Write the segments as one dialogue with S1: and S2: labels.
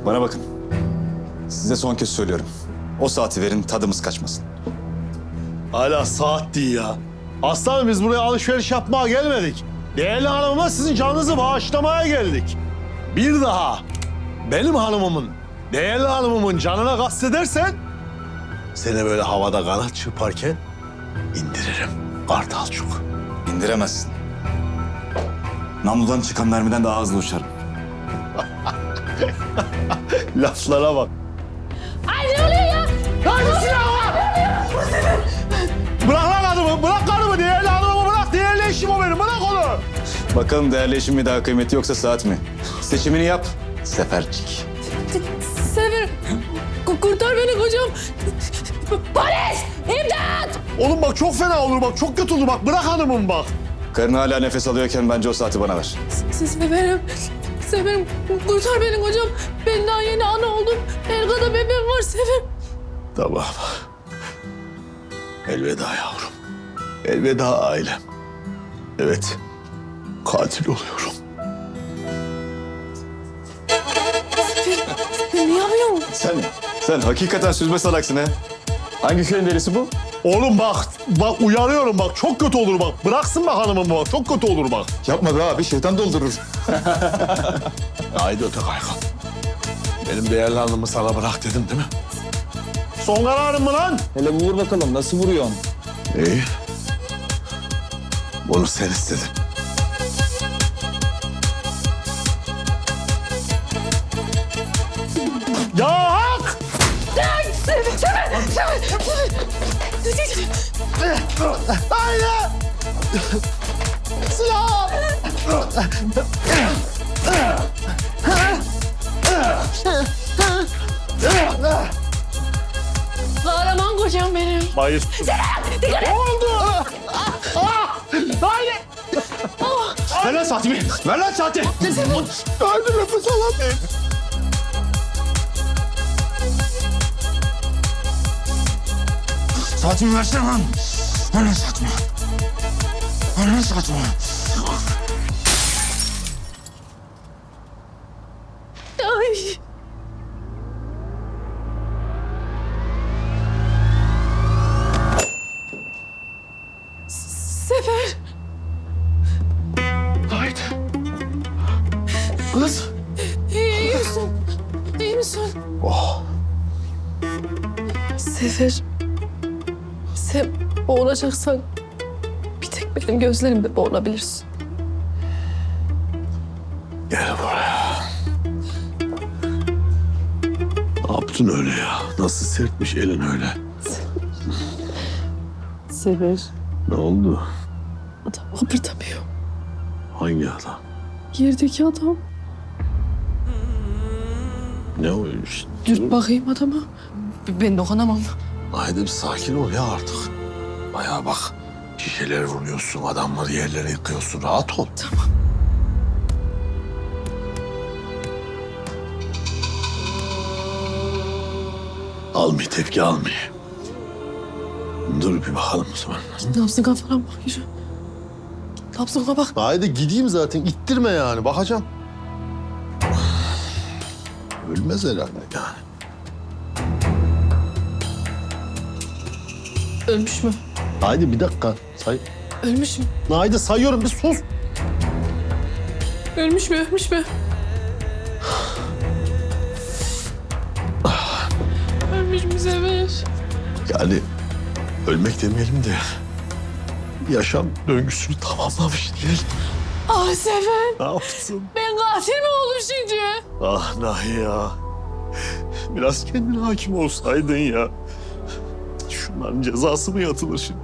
S1: Bana bakın. Size son kez söylüyorum. O saati verin, tadımız kaçmasın.
S2: Hala saat değil ya. Aslanım biz buraya alışveriş yapmaya gelmedik. Değerli hanımıma sizin canınızı bağışlamaya geldik. Bir daha benim hanımımın, değerli hanımımın canına kastedersen... ...seni böyle havada kanat çırparken indiririm kartalçuk.
S1: İndiremezsin. Namludan çıkan mermiden daha hızlı uçarım.
S2: Laflara bak.
S3: Ay ne oluyor ya?
S2: Hadi silahı! Bırak lan adamı, bırak karımı, değerli hanımımı bırak. Değerli eşim o benim, bırak onu.
S1: Bakalım değerli eşim mi daha kıymeti yoksa saat mi? Seçimini yap, sefercik.
S3: Sefer, kurtar beni kocam. Polis! İmdat!
S2: Oğlum bak çok fena olur bak, çok kötü olur bak. Bırak hanımımı bak.
S1: Karın hala nefes alıyorken bence o saati bana ver.
S3: Seferim, Seferim kurtar beni kocam. Ben daha yeni ana oldum. Erka'da bebeğim var Sefer.
S2: Tamam. Elveda yavrum. Elveda ailem. Evet, katil oluyorum.
S3: Sen ne yapıyorsun?
S1: Sen hakikaten süzme salaksın ha. Hangi köyün delisi bu?
S2: Oğlum bak uyarıyorum bak, çok kötü olur bak. Bıraksın bak hanımımı bak, çok kötü olur bak.
S1: Yapma be abi, şeytan doldurur.
S2: Haydi öte kaygan. Benim değerli hanımı sana bırak dedim değil mi? Son kararın mı lan?
S4: Hele vur bakalım nasıl vuruyorsun?
S2: İyi. Bunu sen istedin. Ya hak! Haydi! Silah!
S3: Kahraman kocam benim.
S2: Bayır.
S3: Dikkat et!
S2: Oldu! Haydi! Ver lan saatimi! Ver lan saati! Haydi nefes alamıyorum.
S1: Saatimi versene lan. Ver lan saatimi. Ver lan saatimi.
S3: Ay. Sefer.
S2: Haydi. Kız.
S3: İyi misin? İyi misin?
S2: Oh.
S3: Sefer. Sen boğulacaksan bir tek benim gözlerimde boğulabilirsin.
S2: Gel buraya. Ne yaptın öyle ya? Nasıl sertmiş elin öyle?
S3: Sefer.
S2: Ne oldu?
S3: Adam kıpırdamıyor.
S2: Hangi adam?
S3: Yerdeki adam.
S2: Ne o iş?
S3: Dürt bakayım adama. Ben dokunamam.
S2: Haydi bir sakin ol ya artık. Bayağı bak. Şişeler vuruyorsun, adamları yerlere yıkıyorsun. Rahat ol.
S3: Tamam.
S2: Almıyor, tepki almıyor. Dur bir bakalım o zaman.
S3: Nabzına falan bak yürü. Nabzına bak.
S2: Haydi gideyim zaten. İttirme yani. Bakacağım. Ölmez herhalde yani.
S3: Ölmüş mü?
S2: Haydi bir dakika. Say.
S3: Ölmüş mü?
S2: Haydi sayıyorum. Bir sus.
S3: Ölmüş mü? Ölmüş mü? Ölmüş mü Sefer?
S2: Yani ölmek demeyelim de yaşam döngüsünü tamamlamış diyelim.
S3: Ah Sefer.
S2: Ne yaptın?
S3: Ben katil mi oldum şimdi?
S2: Ah Nahi ya. Biraz kendine hakim olsaydın ya. Şunların cezası mı yatılır şimdi?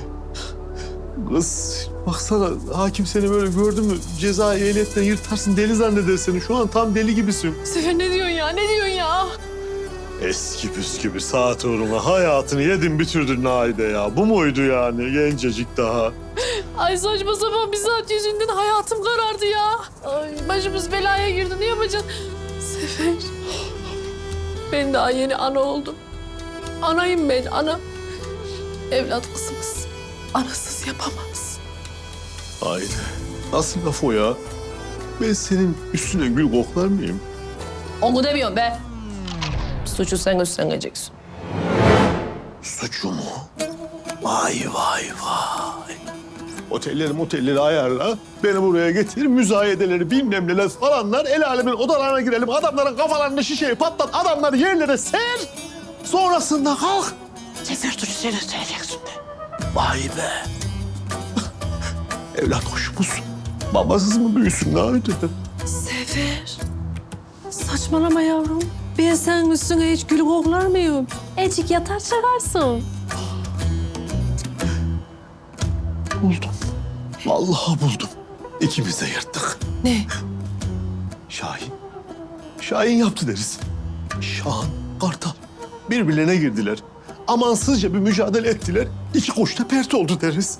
S2: Kız baksana hakim seni böyle gördü mü ceza ehliyetten yırtarsın deli zanneder seni. Şu an tam deli gibisin.
S3: Sefer ne diyorsun ya? Ne diyorsun ya?
S2: Eski püskü bir saat uğruna hayatını yedin bitirdin Naide ya. Bu muydu yani gencecik daha?
S3: Ay saçma sapan bir saat yüzünden hayatım karardı ya. Ay başımız belaya girdi. Ne yapacaksın? Sefer. Ben daha yeni ana oldum. Anayım ben, ana. Evlat kızımız. Anasız yapamaz.
S2: Haydi. Nasıl laf o ya? Ben senin üstüne gül koklar mıyım?
S3: Onu demiyorum be. Suçu sen üstleneceksin.
S2: Suçu mu? Vay vay vay. Otelleri ayarla. Beni buraya getir. Müzayedeleri bilmem neler falanlar. El alemin odalarına girelim. Adamların kafalarını şişeye patlat. Adamları yerlere ser. Sonrasında kalk. Sefer suçu sen üstleneceksin de. Vay be. Evlat hoşumuz. Babasız mı büyüsün haydi.
S3: Sefer. Saçmalama yavrum. Ben senin üstüne hiç gül koklar mıyım? Ecik yatar çıkarsın.
S2: Buldum. Vallahi buldum. İkimiz de yırttık.
S3: Ne?
S2: Şahin. Şahin yaptı deriz. Şahan, Kartal. Birbirlerine girdiler. Amansızca bir mücadele ettiler. İki koç da pert oldu deriz.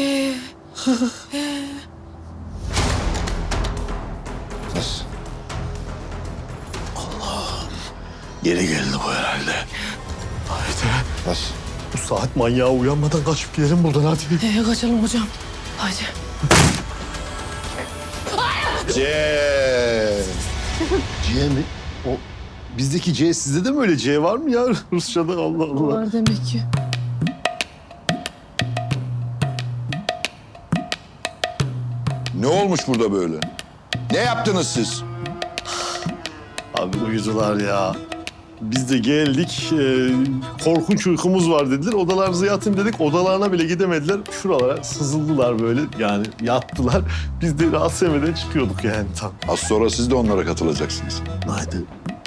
S2: Allah'ım. Geri geldi bu herhalde. Haydi. Bu saat manyağı uyanmadan kaçıp gidelim buradan hadi.
S3: Kaçalım hocam. Haydi.
S2: C. C mi? O bizdeki C sizde de mi öyle C var mı ya Rusça'da? Allah Allah.
S3: Var demek ki.
S5: Ne olmuş burada böyle? Ne yaptınız siz?
S2: Abi uyudular ya. Biz de geldik. Korkunç uykumuz var dediler. Odalarınıza yatın dedik. Odalarına bile gidemediler. Şuralara sızıldılar böyle. Yani yattılar. Biz de rahatsız etmeden çıkıyorduk yani tam.
S5: Az sonra siz de onlara katılacaksınız.
S2: Haydi.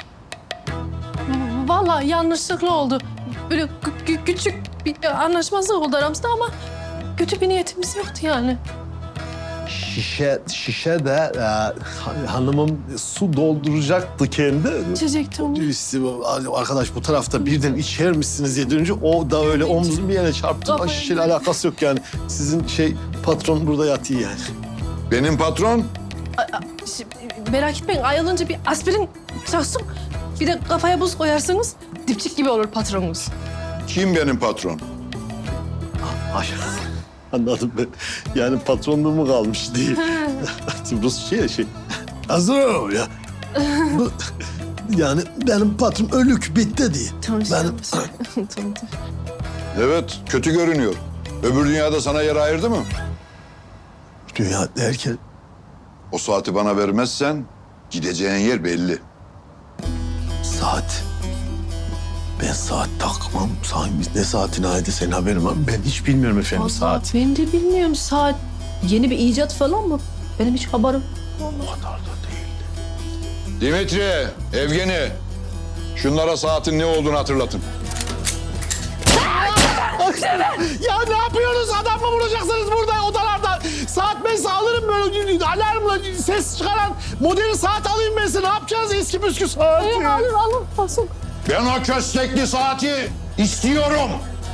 S3: Vallahi yanlışlıkla oldu. Böyle küçük bir anlaşmazlık oldu aramızda ama kötü bir niyetimiz yoktu yani.
S2: Şişe de hanımım su dolduracaktı kendi.
S3: İçecekti onu.
S2: İşte arkadaş bu tarafta birden içer misiniz diye dönünce o da öyle omzum bir yere çarptı.
S3: Kafayı-
S2: Şişeyle alakası yok yani. Sizin patron burada yatıyor yani.
S5: Benim patron
S3: Merak etmeyin ayılınca bir aspirin çaksın. Bir de kafaya buz koyarsınız dipçik gibi olur patronunuz.
S5: kim benim patron?
S2: Ay, anladım ben. Yani patronluğum kalmış değil. Rus şey. Hazır ol ya. Bu, yani benim patron ölük bitti diye.
S3: Tamam.
S2: Benim...
S3: Tamam.
S5: Evet, kötü görünüyor. Öbür dünyada sana yer ayırdı mı?
S2: Dünya derken
S5: O saati bana vermezsen gideceğin yer belli.
S2: saat. Ben saat takmam. Biz ne saatine ait senin haberin var mı? Ben hiç bilmiyorum efendim
S3: Vallahi
S2: saat.
S3: ben de bilmiyorum saat. Yeni bir icat falan mı? Benim hiç haberim.
S2: O kadar da değil.
S5: Dimitri, Evgeni, şunlara saatin ne olduğunu hatırlatın.
S2: Ya ne yapıyorsunuz? Adam mı vuracaksınız burada odalarda? Saat ben alırım böyle alarmla ses çıkaran modern saat alayım ben size. Ne yapacağız eski püskü saati?
S3: Alın. Basın.
S5: Ben o köstekli saati istiyorum.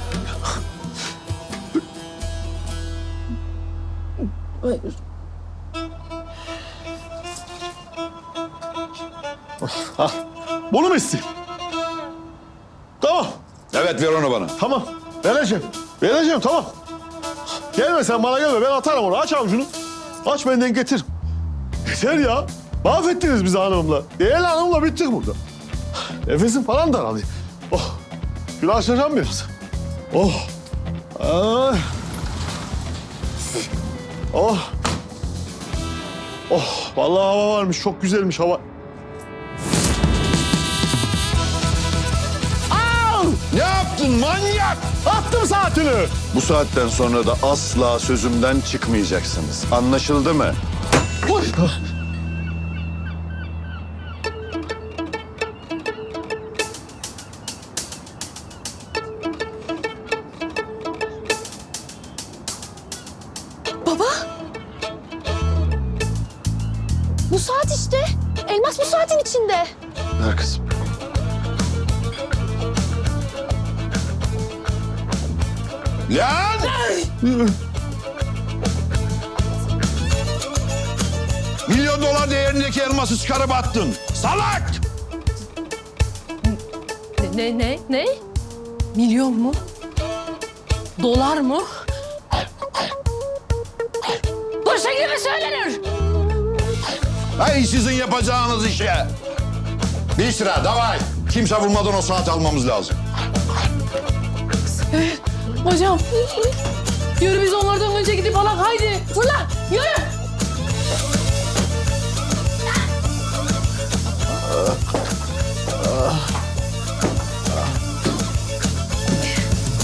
S2: Bunu mu istiyorsun? Tamam.
S5: Evet, ver onu bana.
S2: Tamam. Vereceğim tamam. Gelme sen bana gelme. Ben atarım onu. Aç avucunu. Aç benden getir. Yeter ya. Mahvettiniz bizi hanımla. Değerli hanımla bittik burada. Nefesim falan daralıyor. Oh. Şunu açacağım biraz. Oh. Ay. Oh. Oh. Vallahi hava varmış. Çok güzelmiş hava.
S5: Ne yaptın manyak?
S2: Attım saatini.
S1: Bu saatten sonra da asla sözümden çıkmayacaksınız. Anlaşıldı mı?
S2: Oy.
S6: Baba. Bu saat işte. Elmas bu saatin içinde.
S1: Ver kızım.
S5: Lan! Milyon dolar değerindeki elması çıkarıp attın. Salak!
S3: Ne? Milyon mu? Dolar mı? Bu şekilde mi söylenir?
S5: Hay sizin yapacağınız işe. Bir sıra davay. Kimse vurmadan o saati almamız lazım.
S3: Hocam. Yürü biz onlardan önce gidip alak haydi. Fırla.